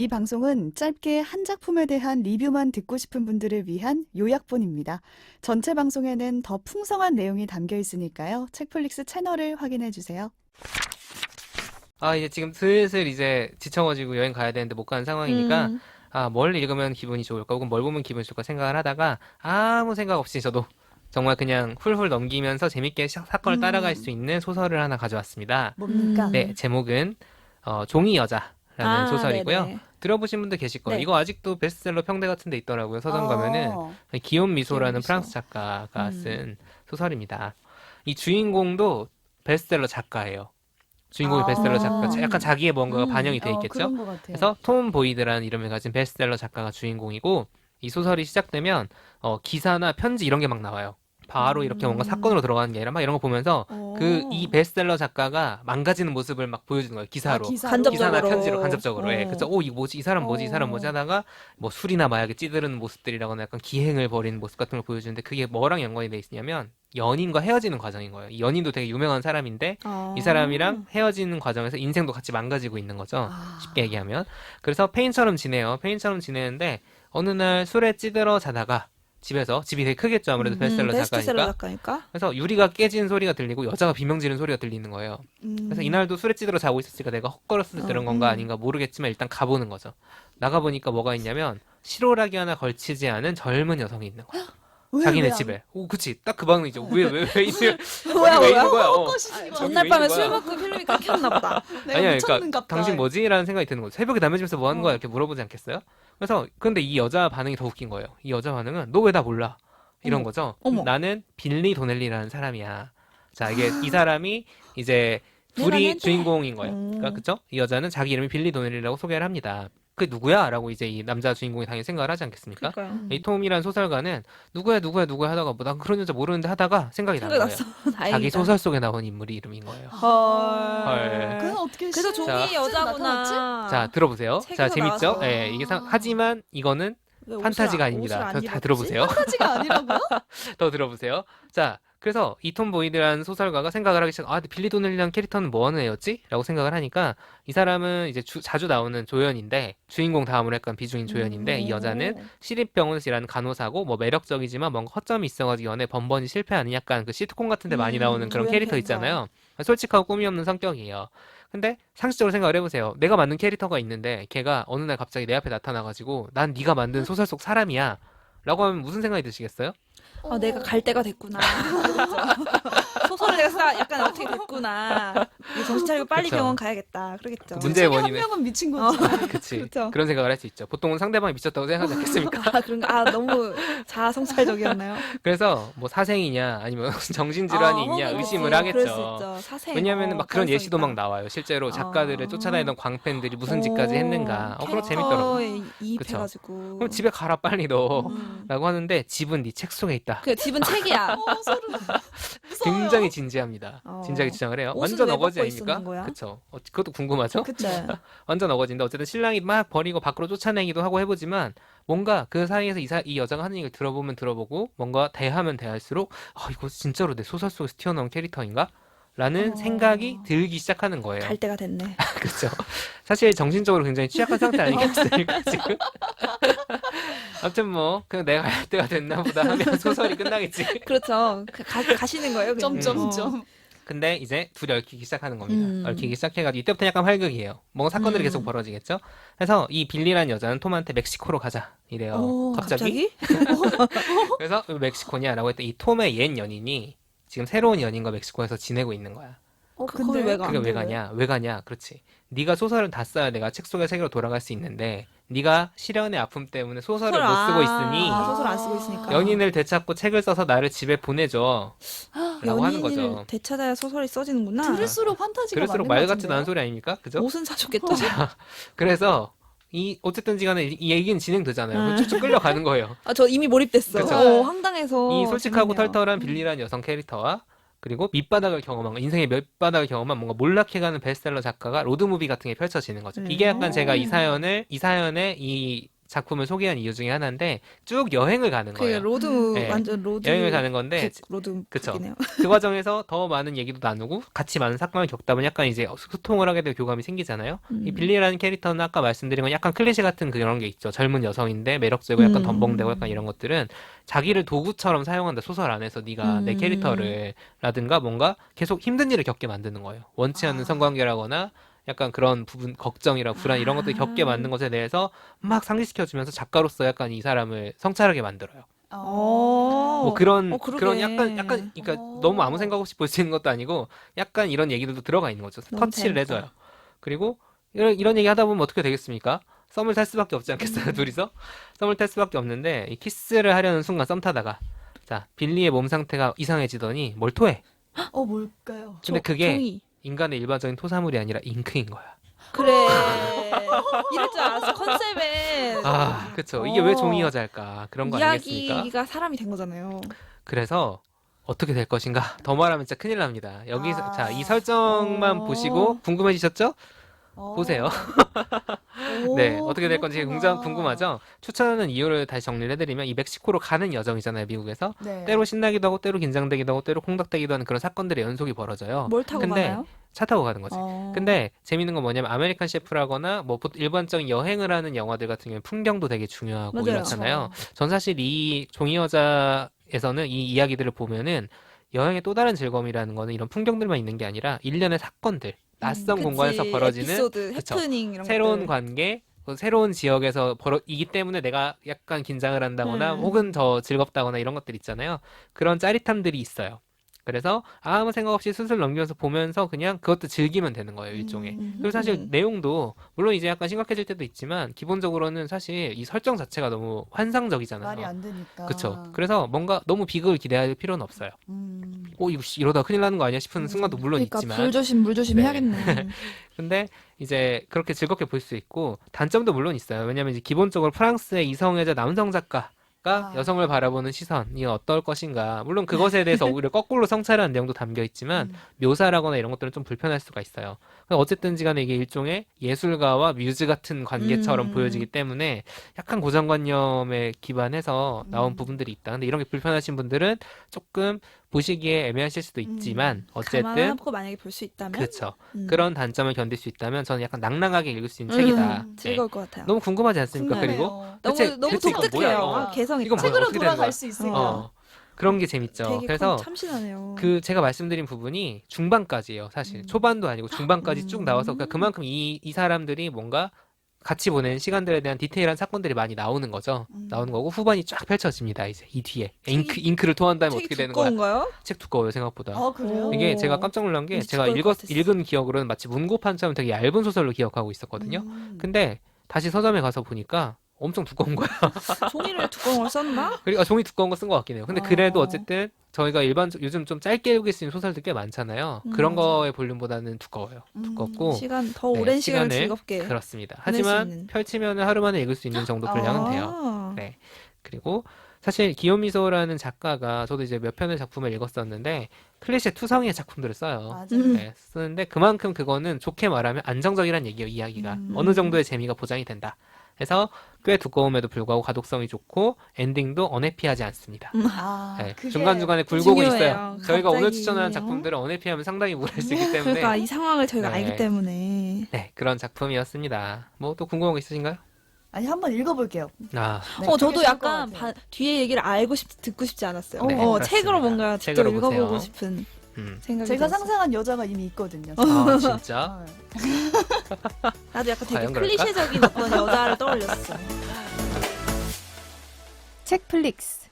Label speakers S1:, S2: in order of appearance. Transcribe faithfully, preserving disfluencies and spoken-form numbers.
S1: 이 방송은 짧게 한 작품에 대한 리뷰만 듣고 싶은 분들을 위한 요약본입니다. 전체 방송에는 더 풍성한 내용이 담겨 있으니까요. 책플릭스 채널을 확인해 주세요.
S2: 아, 이제 지금 슬슬 이제 지쳐가지고 여행 가야 되는데 못 가는 상황이니까,
S3: 음.
S2: 아, 뭘 읽으면 기분이 좋을까, 혹은 뭘 보면 기분이 좋을까 생각을 하다가, 아무 생각 없이 저도 정말 그냥 훌훌 넘기면서 재밌게 사- 사건을 따라갈
S1: 음.
S2: 수 있는 소설을 하나 가져왔습니다.
S1: 뭡니까?
S3: 음.
S2: 네, 제목은, 어, 종이 여자라는
S3: 아,
S2: 소설이고요.
S3: 네네.
S2: 들어보신 분들 계실 거예요.
S3: 네.
S2: 이거 아직도 베스트셀러 평대 같은 데 있더라고요. 서점 가면은.
S1: 어.
S2: 기욤 미소라는
S1: 기욤 미소.
S2: 프랑스 작가가
S3: 음.
S2: 쓴 소설입니다. 이 주인공도 베스트셀러 작가예요. 주인공이
S1: 아.
S2: 베스트셀러 작가. 약간 자기의 뭔가가
S3: 음.
S2: 반영이 돼
S1: 어,
S2: 있겠죠?
S1: 그런 것 같아요.
S2: 그래서 톰 보이드라는 이름을 가진 베스트셀러 작가가 주인공이고, 이 소설이 시작되면 어, 기사나 편지 이런 게 막 나와요. 바로 이렇게 뭔가
S3: 음.
S2: 사건으로 들어가는 게 아니라 막 이런 거 보면서
S3: 어.
S2: 그 이 베스트셀러 작가가 망가지는 모습을 막 보여주는 거예요. 기사로.
S1: 아, 기사로?
S3: 간접적으로.
S2: 기사나 편지로 간접적으로. 예.
S3: 어.
S2: 그래서 오, 이거 뭐지? 이 사람 뭐지? 이 사람 뭐지?
S1: 어.
S2: 하다가 뭐 술이나 마약에 찌드르는 모습들이라거나 약간 기행을 벌이는 모습 같은 걸 보여주는데, 그게 뭐랑 연관이 돼 있냐면 연인과 헤어지는 과정인 거예요. 이 연인도 되게 유명한 사람인데
S3: 아.
S2: 이 사람이랑 헤어지는 과정에서 인생도 같이 망가지고 있는 거죠.
S1: 아.
S2: 쉽게 얘기하면. 그래서 페인처럼 지내요. 페인처럼 지내는데 어느 날 술에 찌들어 자다가 집에서, 집이 되게 크겠죠. 아무래도
S3: 음,
S2: 베스트셀러
S3: 베스트셀러
S2: 작가니까.
S3: 작가니까.
S2: 그래서 유리가 깨지는 소리가 들리고 여자가 비명 지르는 소리가 들리는 거예요.
S1: 음.
S2: 그래서 이날도 술에 찌들어 자고 있었으니까 내가 헛걸었을 때 들은
S3: 어,
S2: 건가
S1: 음.
S2: 아닌가 모르겠지만 일단 가보는 거죠. 나가보니까 뭐가 있냐면 실오라기 하나 걸치지 않은 젊은 여성이 있는 거야.
S1: 왜,
S2: 자기네
S1: 왜 안-
S2: 집에. 오, 그치. 딱 그 방이죠. 왜, 왜, 왜, 있는,
S3: 뭐야,
S2: 왜
S3: 뭐야?
S2: 있는 거야? 어.
S1: 헛것이지 마.
S2: 저기
S3: 전날
S2: 왜
S3: 밤에
S2: 있는
S3: 술
S2: 거야?
S3: 먹고 필름이 끊겼나 보다.
S1: 내가
S2: 아니야,
S1: 미쳤는가
S2: 그러니까
S1: 보다.
S2: 당신 뭐지? 라는 생각이 드는 거죠. 새벽에 담배 피면서 뭐 하는 거야?
S1: 어.
S2: 이렇게 물어보지 않겠어요? 그래서 근데 이 여자 반응이 더 웃긴 거예요. 이 여자 반응은 너 왜 나 몰라? 이런
S1: 어머.
S2: 거죠.
S3: 어머.
S2: 나는 빌리 도넬리라는 사람이야. 자, 이게 이 사람이 이제
S3: 내가
S2: 둘이
S3: 낸데.
S2: 주인공인 거예요.
S3: 음.
S2: 그러니까 그죠? 이 여자는 자기 이름이 빌리 도넬리라고 소개를 합니다. 그게 누구야? 라고 이제 이 남자 주인공이 당연히 생각을 하지 않겠습니까?
S3: 그러니까요.
S1: 음.
S2: 이 톰이란 소설가는 누구야 누구야 누구야 하다가 뭐 난 그런 여자 모르는데 하다가 생각이 난
S3: 생각
S2: 거예요.
S3: 났어. 다행이다.
S2: 자기 소설 속에 나온 인물이 이름인 거예요.
S3: 헐.
S2: 헐.
S1: 그건 어떻게
S3: 그래서
S1: 시-
S3: 종이
S1: 자,
S3: 여자구나.
S2: 자, 들어보세요. 자,
S3: 책에서
S2: 재밌죠?
S3: 나와서.
S2: 예, 이게 상- 하지만 이거는
S3: 왜 옷을
S2: 판타지가
S3: 안-
S2: 아닙니다.
S3: 옷을 안
S2: 더- 다
S3: 입었지?
S2: 들어보세요.
S1: 판타지가 아니라고요?
S2: 더 들어보세요. 자, 그래서 이 톰 보이드라는 소설가가 생각을 하기 시작. 아, 근데 빌리 도넬리라는 캐릭터는 뭐 하는 애였지? 라고 생각을 하니까 이 사람은 이제 주- 자주 나오는 조연인데, 주인공 다음으로 약간 비중인 조연인데, 이 여자는 시립병원이라는 간호사고 뭐 매력적이지만 뭔가 허점이 있어가지고 연애 번번이 실패하는 약간 그 시트콤 같은데 많이
S3: 음,
S2: 나오는 그런
S3: 조연
S2: 캐릭터
S3: 캐릭터.
S2: 있잖아요. 솔직하고 꿈이 없는 성격이에요. 근데 상식적으로 생각을 해보세요. 내가 만든 캐릭터가 있는데 걔가 어느 날 갑자기 내 앞에 나타나가지고 난 네가 만든 소설 속 사람이야 라고 하면 무슨 생각이 드시겠어요?
S3: 아, 내가 갈 때가 됐구나. 소설을 내가 쓰다 약간 어떻게 됐구나. 이제 정신 차리고 빨리
S2: 그쵸.
S3: 병원 가야겠다. 그러겠죠.
S2: 그 문제의
S1: 중에 한
S2: 원인은-
S1: 명은 미친 거지.
S2: 그치.
S3: 그쵸.
S2: 그런 생각을 할 수 있죠. 보통은 상대방이 미쳤다고 생각하지 않겠습니까?
S3: 아, 그런가? 아, 너무 자아성찰적이었나요?
S2: 그래서 뭐 사생이냐 아니면 정신질환이
S3: 아,
S2: 있냐
S3: 그치.
S2: 의심을
S3: 그럴 수
S2: 하겠죠.
S3: 있죠. 사생.
S2: 왜냐하면
S3: 어,
S2: 막 그런
S3: 가능성
S2: 예시도
S3: 있다.
S2: 막 나와요. 실제로 작가들을
S3: 아.
S2: 쫓아다니던 광팬들이 무슨 짓까지 했는가. 어, 그거 재밌더라고.
S3: 캐릭터에 이입해가지고.
S2: 그럼 집에 가라 빨리 너.
S3: 음.
S2: 라고 하는데 집은 네 책 속에 있다.
S3: 그 집은 책이야.
S1: 어, 소름. 무서워요.
S2: 굉장히 진지합니다.
S3: 어.
S2: 진지하게 주장을 해요.
S3: 옷은
S2: 완전
S3: 왜
S2: 어거지
S3: 벗고
S2: 아닙니까?
S3: 있었는 거야?
S2: 그쵸. 어, 그것도 궁금하죠?
S3: 그쵸.
S2: 완전 어거지인데 어쨌든 신랑이 막 버리고 밖으로 쫓아내기도 하고 해보지만 뭔가 그 사이에서 이, 사, 이 여자가 하는 얘기를 들어보면 들어보고 뭔가 대하면 대할수록 아 이거 진짜로 내 소설 속에서 튀어나온 캐릭터인가? 라는
S3: 어.
S2: 생각이 들기 시작하는 거예요.
S3: 갈 때가 됐네.
S2: 그렇죠. 사실 정신적으로 굉장히 취약한 상태 아니겠습니까 지금? 아무튼 뭐 그냥 내가 갈 때가 됐나 보다 하면 소설이 끝나겠지.
S3: 그렇죠. 그 가, 가시는 거예요. 그냥.
S1: 점점점.
S3: 어.
S2: 근데 이제 둘이 얽히기 시작하는 겁니다.
S3: 음.
S2: 얽히기 시작해가지고 이때부터 약간 활극이에요. 뭔가 사건들이
S3: 음.
S2: 계속 벌어지겠죠. 그래서 이 빌리라는 여자는 톰한테 멕시코로 가자 이래요.
S3: 오,
S2: 갑자기? 그래서 왜 멕시코냐라고 했더니 이 톰의 옛 연인이 지금 새로운 연인과 멕시코에서 지내고 있는 거야.
S3: 어,
S1: 근데
S3: 그걸 왜 가?
S2: 그게 왜 가냐? 왜 가냐? 그렇지. 네가 소설을 다 써야 내가 책 속의 세계로 돌아갈 수 있는데 네가 시련의 아픔 때문에 소설을 못 쓰고 있으니
S3: 아, 소설 안 쓰고 있으니까.
S2: 연인을 되찾고 책을 써서 나를 집에 보내줘. 라고 하는
S3: 연인을
S2: 거죠.
S3: 되찾아야 소설이 써지는구나.
S1: 들을수록 판타지가
S2: 들을수록
S1: 맞는
S2: 말
S1: 것
S2: 같지도 않은
S1: 같은데요?
S2: 소리 아닙니까? 그죠?
S3: 옷은 사줬겠죠.
S2: 그래서 이 어쨌든지 간에 이, 이 얘기는 진행되잖아요.
S3: 음.
S2: 쭉쭉 끌려가는 거예요.
S3: 아, 저 이미 몰입됐어.
S2: 그쵸.
S3: 어, 황당해서.
S2: 이 솔직하고
S3: 재밌네요.
S2: 털털한 빌리라는 여성 캐릭터와 그리고 밑바닥을 경험한 거, 인생의 밑바닥을 경험한 뭔가 몰락해가는 베스트셀러 작가가 로드무비 같은 게 펼쳐지는 거죠.
S3: 음.
S2: 이게 약간 제가 이 사연을 이 사연의 이 작품을 소개한 이유 중에 하나인데 쭉 여행을 가는
S3: 그
S2: 거예요.
S3: 로드
S2: 네.
S3: 완전 로드
S2: 여행을 가는 건데
S3: 북, 로드
S2: 그쵸.
S3: 북이네요.
S2: 그 과정에서 더 많은 얘기도 나누고 같이 많은 사건을 겪다 보면 약간 이제 소통을 하게 되고 교감이 생기잖아요.
S3: 음.
S2: 이 빌리라는 캐릭터는 아까 말씀드린 건 약간 클리셰 같은 그런 게 있죠. 젊은 여성인데 매력적이고 약간
S3: 음.
S2: 덤벙대고 약간 이런 것들은 자기를 도구처럼 사용한다. 소설 안에서 네가 내
S3: 음.
S2: 캐릭터를 라든가 뭔가 계속 힘든 일을 겪게 만드는 거예요. 원치 않는
S1: 아.
S2: 성관계라거나 약간 그런 부분 걱정이랑 불안 이런 것들이 겪게
S3: 아.
S2: 만든 것에 대해서 막 상기시켜주면서 작가로서 약간 이 사람을 성찰하게 만들어요.
S3: 어.
S2: 뭐 그런
S3: 어, 그러게.
S2: 그런 약간 약간 그러니까
S1: 어.
S2: 너무 아무 생각 없이 볼 수 있는 것도 아니고 약간 이런 얘기들도 들어가 있는 거죠.
S3: 너무
S2: 터치를
S3: 재밌다.
S2: 해줘요. 그리고 이런 이런 얘기 하다 보면 어떻게 되겠습니까? 썸을 탈 수밖에 없지 않겠어요, 둘이서? 썸을 탈 수밖에 없는데 이 키스를 하려는 순간 썸 타다가 자 빌리의 몸 상태가 이상해지더니 뭘 토해.
S1: 어, 뭘까요?
S2: 근데
S3: 조-
S2: 그게
S3: 종이.
S2: 인간의 일반적인 토사물이 아니라 잉크인 거야.
S3: 그래. 이럴 줄 알았어. 컨셉에
S2: 아, 그쵸. 이게 왜
S3: 어.
S2: 종이 여자일까? 그런 거 아니겠습니까?
S3: 이야기가 사람이 된 거잖아요.
S2: 그래서 어떻게 될 것인가? 더 말하면 진짜 큰일 납니다. 여기서
S1: 아.
S2: 자, 이 설정만
S3: 어.
S2: 보시고 궁금해지셨죠?
S1: 어.
S2: 보세요.
S1: 오,
S2: 네, 어떻게 될 건지
S1: 그렇구나.
S2: 굉장히 궁금하죠? 추천하는 이유를 다시 정리를 해드리면 이 멕시코로 가는 여정이잖아요, 미국에서.
S1: 네.
S2: 때로 신나기도 하고 때로 긴장되기도 하고 때로 콩닥대기도 하는 그런 사건들의 연속이 벌어져요.
S3: 뭘 타고
S2: 근데
S3: 가나요?
S2: 차 타고 가는 거지.
S3: 어.
S2: 근데 재밌는 건 뭐냐면 아메리칸 셰프라거나 뭐 보통 일반적인 여행을 하는 영화들 같은 경우는 풍경도 되게 중요하고
S3: 맞아요.
S2: 이렇잖아요. 전 사실 이 종이 여자에서는 이 이야기들을 보면은 여행의 또 다른 즐거움이라는 거는 이런 풍경들만 있는 게 아니라 일련의 사건들, 낯선
S3: 그치.
S2: 공간에서 벌어지는
S3: 에피소드,
S2: 그쵸.
S3: 해프닝 이런
S2: 새로운
S3: 것들.
S2: 관계, 그 새로운 지역에서 벌어이기 때문에 내가 약간 긴장을 한다거나
S3: 음.
S2: 혹은 더 즐겁다거나 이런 것들 있잖아요. 그런 짜릿함들이 있어요. 그래서 아무 생각 없이 슬슬 넘기면서 보면서 그냥 그것도 즐기면 되는 거예요, 일종의.
S1: 음.
S2: 그리고 사실
S3: 음.
S2: 내용도 물론 이제 약간 심각해질 때도 있지만 기본적으로는 사실 이 설정 자체가 너무 환상적이잖아요.
S1: 말이 안 되니까.
S2: 그쵸. 그래서 뭔가 너무 비극을 기대할 필요는 없어요.
S1: 음.
S2: 오, 이거 씨, 이러다 큰일 나는 거 아니야 싶은
S1: 음.
S2: 순간도 물론
S3: 그러니까
S2: 있지만.
S3: 불조심 물조심
S2: 네.
S3: 해야겠네.
S2: 근데 이제 그렇게 즐겁게 볼 수 있고 단점도 물론 있어요. 왜냐면 이제 기본적으로 프랑스의 이성애자 남성 작가가
S1: 아.
S2: 여성을 바라보는 시선이 어떨 것인가. 물론 그것에 대해서 오히려 거꾸로 성찰하는 내용도 담겨 있지만
S1: 음.
S2: 묘사라거나 이런 것들은 좀 불편할 수가 있어요. 어쨌든지 간에 이게 일종의 예술가와 뮤즈 같은 관계처럼
S3: 음.
S2: 보여지기 때문에 약간 고정관념에 기반해서 나온
S1: 음.
S2: 부분들이 있다. 근데 이런 게 불편하신 분들은 조금 보시기에 애매하실 수도 있지만
S1: 음.
S2: 어쨌든
S3: 감안하고 만약에 볼 수 있다면
S2: 그렇죠.
S3: 음.
S2: 그런 단점을 견딜 수 있다면 저는 약간 낭낭하게 읽을 수 있는 책이다.
S3: 음,
S2: 네.
S3: 즐거울 것 같아요.
S2: 너무 궁금하지 않습니까?
S3: 궁금해요.
S2: 그리고
S3: 너무
S2: 대체-
S3: 너무
S2: 대체 이건
S3: 독특해요.
S2: 뭐야?
S3: 아, 개성 있다.
S2: 이건 뭐야?
S1: 책으로
S2: 어떻게 되는
S1: 돌아갈
S2: 거야?
S1: 수 있으니까.
S2: 어, 그런 게 재밌죠.
S3: 되게
S2: 그래서
S3: 참신하네요.
S2: 그 제가 말씀드린 부분이 중반까지예요. 사실
S1: 음.
S2: 초반도 아니고 중반까지 쭉
S1: 음.
S2: 나와서 그러니까 그만큼 이, 이 사람들이 뭔가 같이 보낸 시간들에 대한 디테일한 사건들이 많이 나오는 거죠.
S1: 음.
S2: 나오는 거고 후반이 쫙 펼쳐집니다. 이제 이 뒤에
S3: 책이-
S2: 잉크 잉크를 토한다면
S3: 책이
S2: 어떻게 되는 거야?
S3: 두꺼운가요?
S2: 책 두꺼워요 생각보다.
S1: 아, 그래요?
S3: 오.
S2: 이게 제가 깜짝 놀란 게
S3: 왠지
S2: 제가
S3: 두꺼울 것
S2: 읽었,
S3: 같았어.
S2: 읽은 기억으로는 마치 문고판처럼 되게 얇은 소설로 기억하고 있었거든요.
S1: 음.
S2: 근데 다시 서점에 가서 보니까 엄청 두꺼운 거야.
S3: 종이를 두꺼운 걸 썼나?
S2: 그리고 아, 종이 두꺼운 거 쓴 것 같긴 해요. 근데
S1: 어.
S2: 그래도 어쨌든 저희가 일반 요즘 좀 짧게 읽을 수 있는 소설들 꽤 많잖아요.
S3: 음,
S2: 그런
S3: 맞아.
S2: 거의 볼륨보다는 두꺼워요.
S1: 음.
S2: 두껍고
S3: 시간 더
S2: 네,
S3: 오랜 시간을
S2: 시간을
S3: 즐겁게
S2: 그렇습니다.
S3: 보낼 수
S2: 하지만
S3: 있는.
S2: 펼치면 하루 만에 읽을 수 있는 정도 분량은 돼요.
S3: 아.
S2: 네. 그리고 사실 기요미소라는 작가가 저도 이제 몇 편의 작품을 읽었었는데 클리셰 투성이의 작품들을 써요.
S1: 맞아요.
S3: 음.
S2: 네, 쓰는데 그만큼 그거는 좋게 말하면 안정적이란 얘기예요, 이야기가.
S1: 음.
S2: 어느 정도의 재미가 보장이 된다. 그래서 꽤 두꺼움에도 불구하고 가독성이 좋고 엔딩도 언해피하지 않습니다.
S1: 아,
S2: 네,
S1: 그게
S2: 중간중간에 굴곡은
S3: 중요해요.
S2: 있어요. 저희가 오늘
S3: 갑자기,
S2: 추천한
S3: 어?
S2: 작품들은 언해피하면 상당히 우울할 수 있기 때문에
S3: 그러니까 이 상황을 저희가
S2: 네.
S3: 알기 때문에
S2: 네, 그런 작품이었습니다. 뭐 또 궁금한 거 있으신가요?
S1: 아니 한번 읽어볼게요.
S2: 아,
S1: 네,
S3: 어
S1: 그게
S3: 저도
S1: 좋을
S3: 약간
S1: 것 같아요.
S3: 바- 뒤에 얘기를 알고 싶 듣고 싶지 않았어요.
S1: 네,
S3: 어,
S2: 그렇습니다.
S3: 책으로 뭔가 직접
S2: 책으로
S3: 읽어보고
S2: 보세요.
S3: 싶은
S2: 음.
S3: 생각이
S1: 제가
S3: 들었어요.
S1: 상상한 여자가 이미 있거든요.
S2: 아 진짜?
S1: 아,
S3: 나도 약간 되게
S2: 과연 그럴까?
S3: 클리셰적인 어떤 여자를 떠올렸어.
S1: 책플릭스.